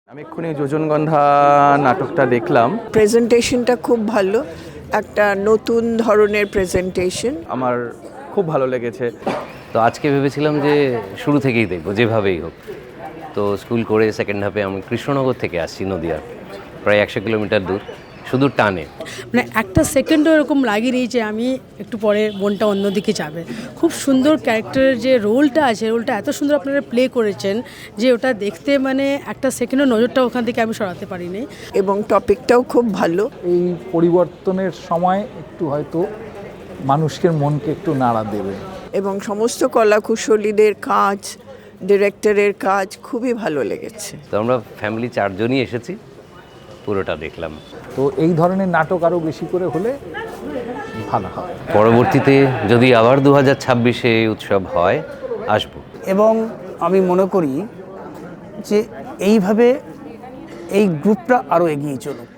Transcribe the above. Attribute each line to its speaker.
Speaker 1: আমি এক্ষুনি যোজনগন্ধা নাটকটা দেখলাম।
Speaker 2: প্রেজেন্টেশনটা খুব ভালো, একটা নতুন ধরনের প্রেজেন্টেশন।
Speaker 1: আমার খুব ভালো লেগেছে।
Speaker 3: তো আজকে ভেবেছিলাম যে শুরু থেকেই দেখবো যেভাবেই হোক। তো স্কুল করে সেকেন্ড হাফে আমি কৃষ্ণনগর থেকে আসছি, নদিয়া প্রায় 100 কিলোমিটার দূর, শুধু টানে।
Speaker 4: মানে একটা সেকেন্ডও এরকম লাগেনি যে আমি একটু পরে মনটা অন্যদিকে যাবে। খুব সুন্দর ক্যারেক্টারের যে রোলটা আছে, রোলটা এত সুন্দর আপনারা প্লে করেছেন যে ওটা দেখতে মানে একটা সেকেন্ডও নজরটা ওখান থেকে আমি সরাতে পারিনি।
Speaker 2: এবং টপিকটাও খুব ভালো।
Speaker 5: এই পরিবর্তনের সময় একটু হয়তো মানুষের মনকে একটু নাড়া দেবে।
Speaker 2: এবং সমস্ত কলাকুশলীদের কাজ, ডিরেক্টরের কাজ খুবই ভালো লেগেছে।
Speaker 3: তো আমরা ফ্যামিলি 4 জনই এসেছি, পুরোটা দেখলাম।
Speaker 5: তো এই ধরনের নাটক আরও বেশি করে হলে ভালো হয়।
Speaker 3: পরবর্তীতে যদি আবার 2026-এ উৎসব হয়, আসবো।
Speaker 6: এবং আমি মনে করি যে এইভাবে এই গ্রুপটা আরও এগিয়ে চলুক।